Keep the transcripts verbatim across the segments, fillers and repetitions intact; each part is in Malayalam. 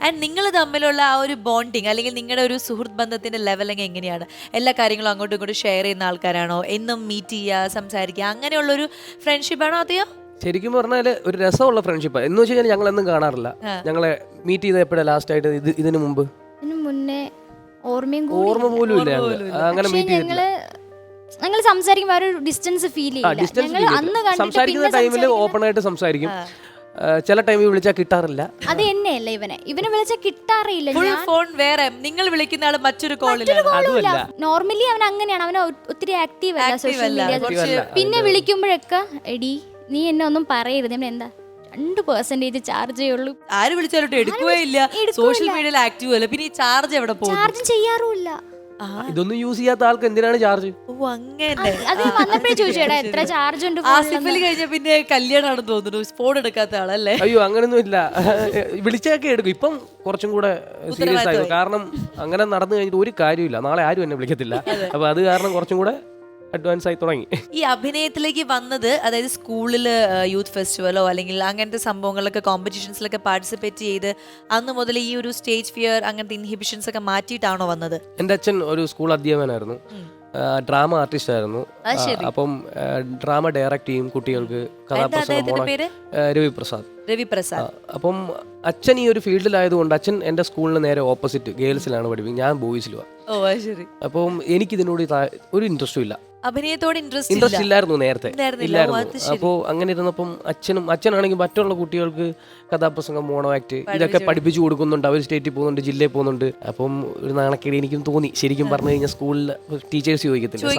ആൻഡ് നിങ്ങൾ തമ്മിലുള്ള ആ ഒരു ബോണ്ടിങ് അല്ലെങ്കിൽ നിങ്ങളുടെ ഒരു സുഹൃത്ത് ബന്ധത്തിന്റെ ലെവലിംഗ് എങ്ങനെയാണ്? എല്ലാ കാര്യങ്ങളും അങ്ങോട്ടും ഇങ്ങോട്ടും ഷെയർ ചെയ്യുന്ന ആൾക്കാരാണോ? എന്നും മീറ്റ് ചെയ്യുക, സംസാരിക്കുക, അങ്ങനെയുള്ളൊരു ഫ്രണ്ട്ഷിപ്പാണോ? അതെയോ ശരിക്കും പറഞ്ഞാൽ ഒരു രസമുള്ള ഫ്രണ്ട്ഷിപ്പ് എന്ന് വെച്ച് കഴിഞ്ഞാൽ ഞങ്ങൾ എന്നും കാണാറില്ല. ഞങ്ങളെ മീറ്റ് ചെയ്ത എപ്പോഴാണ് ലാസ്റ്റ് ആയിട്ട്? ഇത് ഇതിനു മുമ്പ് ഇതിനു മുന്നേ ഓർമ്മയും ഓർമ്മ പോലും ഇല്ല അങ്ങനെ മീറ്റ് ചെയ്തിട്ടില്ല. ഞങ്ങൾ സംസാരിക്കുമ്പോൾ ഒരു ഡിസ്റ്റൻസ് ഫീൽ ചെയ്യില്ല. സംസാരിക്കുന്ന ടൈമിൽ ഓപ്പൺ ആയിട്ട് സംസാരിക്കും. ചില ടൈമിൽ വിളിച്ചാൽ കിട്ടാറില്ല. അത് തന്നെയല്ല ഇവനെ ഇവനെ വിളിച്ചാൽ കിട്ടാറില്ല. ഫോൺ വേറെ, നിങ്ങൾ വിളിക്കുന്ന ആള് മറ്റൊരു കോളില്ല. നോർമലി അവൻ അങ്ങനെയാണ്. അവൻ ഒത്തിരി ആക്റ്റീവ് അല്ല സോഷ്യൽ മീഡിയ. പിന്നെ വിളിക്കുമ്പോഴൊക്കെ എടി നീ എന്നെ ഒന്നും പറയരുത്, എന്താ രണ്ട് പെർസെന്റേജ് ചാർജേ ഉള്ളൂ. ആര് വിളിച്ചാലോട്ട് എടുക്കുകയേ ഇല്ല. സോഷ്യൽ മീഡിയയിൽ ആക്റ്റീവ് അല്ല. പിന്നെ ഈ ചാർജ് എവിടെ പോകും? ചാർജ് ചെയ്യാറുമില്ല. ഇതൊന്നും യൂസ് ചെയ്യാത്ത ആൾക്ക് എന്തിനാണ് ചാർജ്? ഓ അങ്ങനെ. അത് വന്നപ്പോഴേ ചോദിച്ചേടാ എത്ര ചാർജ് ഉണ്ട്. ആസിഫലി കഴിഞ്ഞ പിന്നെ കല്യാണമാണെന്ന് തോന്നുന്നു, ഫോൺ എടുക്കാത്ത ആളല്ലേ? അയ്യോ അങ്ങനൊന്നും ഇല്ല, വിളിച്ചൊക്കെ എടുക്കും. ഇപ്പം കുറച്ചും കൂടെ സീരിയസ് ആയിരുന്നു. കാരണം അങ്ങനെ നടന്നു കഴിഞ്ഞിട്ട് ഒരു കാര്യമില്ല. നാളെ ആരും എന്നെ വിളിക്കത്തില്ല. അപ്പൊ അത് കാരണം കുറച്ചും കൂടെ അഡ്വാൻസ് ആയി തുടങ്ങി. ഈ അഭിനയത്തിലേക്ക് വന്നത് അതായത് സ്കൂളിൽ യൂത്ത് ഫെസ്റ്റിവലോ അല്ലെങ്കിൽ അങ്ങനത്തെ സംഭവങ്ങളിലൊക്കെ കോമ്പറ്റീഷൻസിലൊക്കെ പാർട്ടിസിപ്പേറ്റ് ചെയ്ത് അന്ന് മുതൽ ഈ ഒരു സ്റ്റേജ് ഫിയർ അങ്ങനത്തെ ഇൻഹിബിഷൻസ് ഒക്കെ മാറ്റിയിട്ടാണോ വന്നത്? എൻ്റെ അച്ഛൻ ഒരു സ്കൂൾ അധ്യാപകനായിരുന്നു, ഡ്രാമ ആർട്ടിസ്റ്റ് ആയിരുന്നു. അപ്പം ഡ്രാമ ഡയറക്റ്റ് ചെയ്യും കുട്ടികൾക്ക്, കഥാപ്രസംഗം. രവിപ്രസാദ് രവിപ്രസാദ് അപ്പം അച്ഛൻ ഈ ഒരു ഫീൽഡിലായതുകൊണ്ട് അച്ഛൻ എൻ്റെ സ്കൂളിന് നേരെ ഓപ്പോസിറ്റ് ഗേൾസിലാണ് പഠിപ്പിക്കുന്നത്, ഞാൻ ബോയ്സിലുമാണ്. ഓ ശരി. അപ്പം എനിക്കിതിനോട് ഒരു ഇൻട്രസ്റ്റും ഇല്ല. അഭിനയത്തോട് ഇൻട്രസ്റ്റ് ഇൻട്രസ്റ്റ് ഇല്ലായിരുന്നു നേരത്തെ, ഇല്ലായിരുന്നു. അപ്പോൾ അങ്ങനെ ഇരുന്നപ്പം അച്ഛനും അച്ഛനാണെങ്കിൽ മറ്റുള്ള കുട്ടികൾക്ക് കഥാപ്രസംഗം, മോണോ ആക്ട് ഇതൊക്കെ പഠിപ്പിച്ചു കൊടുക്കുന്നുണ്ട്. അവർ സ്റ്റേറ്റിൽ പോകുന്നുണ്ട്, ജില്ലയിൽ പോകുന്നുണ്ട്. അപ്പം ഒരു നാണക്കേട് എനിക്കും തോന്നി. ശരിക്കും പറഞ്ഞു കഴിഞ്ഞാൽ സ്കൂളിൽ ടീച്ചേഴ്സ് ചോദിക്കത്തില്ല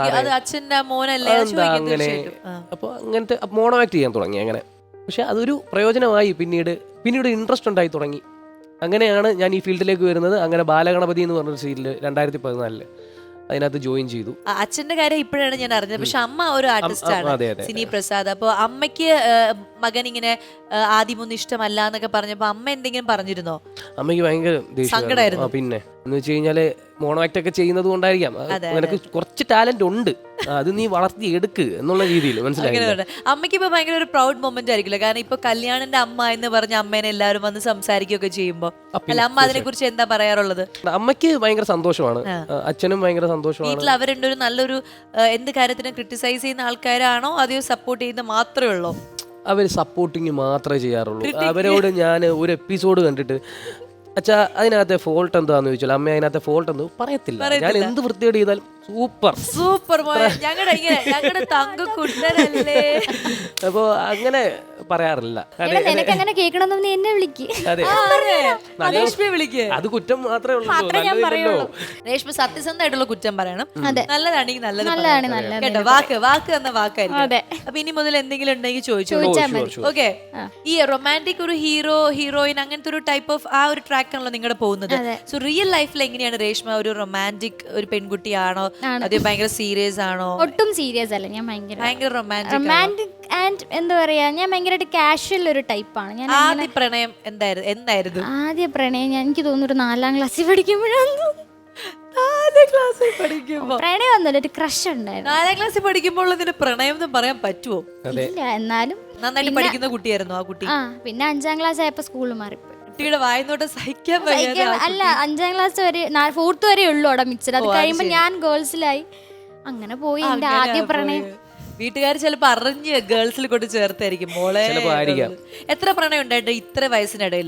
എന്താ അങ്ങനെ. അപ്പോൾ അങ്ങനത്തെ മോണോ ആക്ട് ചെയ്യാൻ തുടങ്ങി അങ്ങനെ. പക്ഷെ അതൊരു പ്രയോജനമായി. പിന്നീട് പിന്നീട് ഇൻട്രസ്റ്റ് ഉണ്ടായി തുടങ്ങി. അങ്ങനെയാണ് ഞാൻ ഈ ഫീൽഡിലേക്ക് വരുന്നത്. അങ്ങനെ ബാലഗണപതി എന്ന് പറഞ്ഞൊരു സീരിയൽ രണ്ടായിരത്തി പതിനാലില് അതിനകത്ത് ജോയിൻ ചെയ്തു. അച്ഛന്റെ കാര്യം ഇപ്പോഴാണ് ഞാൻ അറിഞ്ഞത്. പക്ഷെ അമ്മ ഒരു ആർട്ടിസ്റ്റ് ആണ്, സിനി പ്രസാദ്. അപ്പൊ അമ്മയ്ക്ക് മകൻ ഇങ്ങനെ ആദ്യമൊന്നും ഇഷ്ടമല്ല എന്നൊക്കെ പറഞ്ഞപ്പോ അമ്മ എന്തെങ്കിലും പറഞ്ഞിരുന്നോ? അമ്മയ്ക്ക് ഭയങ്കര സങ്കടമായിരുന്നു. പിന്നെ എന്ന് വെച്ച് കഴിഞ്ഞാല് മോണോ ആക്ട് ഒക്കെ ചെയ്യുന്നത് കൊണ്ടായിരിക്കാം, നിനക്ക് കുറച്ച് ടാലന്റ് ഉണ്ട്, അത് നീ വളർത്തി എടുക്ക് എന്നുള്ള രീതിയിൽ മനസ്സിലായി. അമ്മയ്ക്ക് ഇപ്പൊ ഭയങ്കര ഒരു പ്രൗഡ് മൊമെന്റ് ആയിരിക്കില്ല? കാരണം ഇപ്പൊ കല്യാണിന്റെ അമ്മ എന്ന് പറഞ്ഞ അമ്മേനെ എല്ലാവരും വന്ന് സംസാരിക്കുകയൊക്കെ ചെയ്യുമ്പോ അല്ല അമ്മ അതിനെ കുറിച്ച് എന്താ പറയാറുള്ളത്? അമ്മയ്ക്ക് ഭയങ്കര സന്തോഷമാണ്, അച്ഛനും ഭയങ്കര സന്തോഷമാണ്. വീട്ടിൽ അവരുടെ ഒരു നല്ലൊരു എന്ത് കാര്യത്തിനും ക്രിട്ടിസൈസ് ചെയ്യുന്ന ആൾക്കാരാണോ അതെയോ സപ്പോർട്ട് ചെയ്യുന്ന മാത്രമേ ഉള്ളൂ? അവർ സപ്പോർട്ടിങ് മാത്രമേ ചെയ്യാറുള്ളൂ. അവരോട് ഞാൻ ഒരു എപ്പിസോഡ് കണ്ടിട്ട് അച്ഛാ അതിനകത്തെ ഫോൾട്ട് എന്താന്ന് ചോദിച്ചാൽ അമ്മ അതിനകത്തെ ഫോൾട്ട് എന്തോ പറയത്തില്ല. ഞാൻ എന്ത് വൃത്തിയോട് ചെയ്താലും സൂപ്പർ സൂപ്പർ അപ്പൊ അങ്ങനെ പറയാറില്ല. അത് കുറ്റം മാത്രമേ ഉള്ളൂ. രേഷ്മ സത്യസന്ധമായിട്ടുള്ള കുറ്റം പറയണം, നല്ലതാണെങ്കിൽ നല്ലത് കേട്ടോ. വാക്ക് വാക്ക് എന്ന വാക്കായിരിക്കും. അപ്പൊ ഇനി മുതൽ എന്തെങ്കിലും ഉണ്ടെങ്കിൽ ചോദിച്ചോളൂ. ഓക്കെ. ഈ റൊമാൻറ്റിക് ഒരു ഹീറോ ഹീറോയിൻ അങ്ങനത്തെ ഒരു ടൈപ്പ് ഓഫ് ആ ഒരു ട്രാക്ക് ആണല്ലോ നിങ്ങളുടെ പോകുന്നത്. സോ റിയൽ ലൈഫിൽ എങ്ങനെയാണ് രേഷ്മ? ഒരു റൊമാൻറ്റിക് ഒരു പെൺകുട്ടിയാണോ അതോ ഭയങ്കര സീരിയസ് ആണോ? ഒട്ടും സീരിയസ് അല്ല, ഞാൻ ഭയങ്കര ഭയങ്കര റൊമാൻറ്റിക് റൊമാൻറ്റിക് ആൻഡ് എന്താ പറയാ, ഞാൻ ഭയങ്കരമായിട്ട് കാഷ്വൽ ഒരു ടൈപ്പാണ്. ഞാൻ ആദ്യ പ്രണയം എന്തായിരുന്നു എന്തായിരുന്നു ആദ്യ പ്രണയം ഞാൻ എനിക്ക് തോന്നുന്നു ഒരു നാലാം ക്ലാസ്സിൽ പഠിക്കുമ്പോഴാണ്. നാലാം ക്ലാസ്സിൽ പഠിക്കുമ്പോ പ്രണയം ഒന്നുമില്ല, ഒരു ക്രഷ് ഉണ്ടായിരുന്നു. നാലാം ക്ലാസ്സിൽ പഠിക്കുമ്പോൾ അതിന് പ്രണയം എന്ന് പറയാൻ പറ്റുമോ? ഇല്ല, എന്നാലും നന്നായിട്ട് പഠിക്കുന്ന കുട്ടിയായിരുന്നു ആ കുട്ടി. ആ പിന്നെ അഞ്ചാം ക്ലാസ് ആയപ്പോ സ്കൂളിൽ മാറിപ്പോയി. കുട്ടിയുടെ വായനോട്ട് സഹിക്കാൻ വയ്യ. അല്ല, അഞ്ചാം ക്ലാസ് വരെ ഫോർത്ത് വരെ ഉള്ളു അവിടെ മിച്ചർ. അത് കഴിയുമ്പോ ഞാൻ ഗേൾസിലായി. അങ്ങനെ പോയി എന്റെ ആദ്യ പ്രണയം. വീട്ടുകാർ ചിലപ്പോ അറിഞ്ഞ് ഗേൾസിൽ കൊണ്ട് ചേർത്തായിരിക്കും മോളെ. എത്ര പ്രണയം ഉണ്ടായിട്ട് ഇത്ര വയസ്സിനിടയിൽ?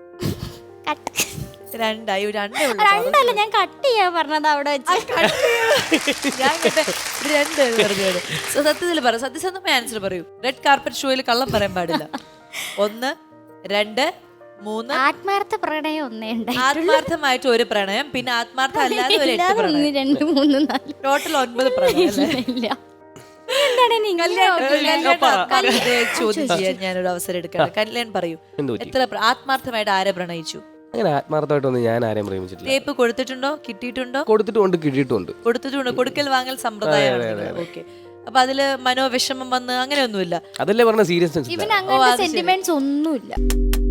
രണ്ടായി രണ്ടേ ഉള്ളൂ. രണ്ടല്ല, ഞാൻ കട്ട് ചെയ്യാൻ പറഞ്ഞത് അവിടെ വെച്ച്. ഞാൻ രണ്ട് പറഞ്ഞത്. സത്യത്തിൽ പറ, സത്യസന്ധമായ ആൻസർ പറയൂ. റെഡ് കാർപ്പറ്റ് ഷോയിൽ കള്ളം പറയാൻ പാടില്ല. ഒന്ന്, രണ്ട്, മൂന്ന്. ആത്മാർത്ഥ പ്രണയം ഒന്നേ ഉണ്ടായി. ആത്മാർത്ഥമായിട്ട് ഒരു പ്രണയം, പിന്നെ ആത്മാർത്ഥം അല്ലാതെ ഒരു എട്ട് പ്രണയം. രണ്ട് മൂന്ന് നാല് ടോട്ടൽ ഒൻപത് പ്രണയം. ചോദ്യം ചെയ്യാൻ ഞാനൊരു അവസരം എടുക്കാം. കല്യാൺ പറയൂ, എത്ര ആത്മാർത്ഥമായിട്ട് ആരെ പ്രണയിച്ചു? അങ്ങനെ ആത്മാർത്ഥമായിട്ടൊന്നും ഞാൻ ആരെയും പ്രേമിച്ചിട്ടില്ല. ടേപ്പ് കൊടുത്തിട്ടുണ്ടോ, കിട്ടിയിട്ടുണ്ടോ? കൊടുത്തിട്ടുണ്ട്, കിട്ടിയിട്ടുണ്ട്. കൊടുത്തിട്ടുണ്ട്, കൊടുക്കൽ വാങ്ങൽ സമ്പ്രദായമാണ്. ഓക്കെ. അപ്പൊ അതില് മനോവിഷമം വന്ന് അങ്ങനെയൊന്നുമില്ല. അതല്ലേ പറഞ്ഞ സീരിയസ്നെസ്. ഇവൻ അങ്ങനെ സെന്റിമെന്റ്സ് ഒന്നുമില്ല.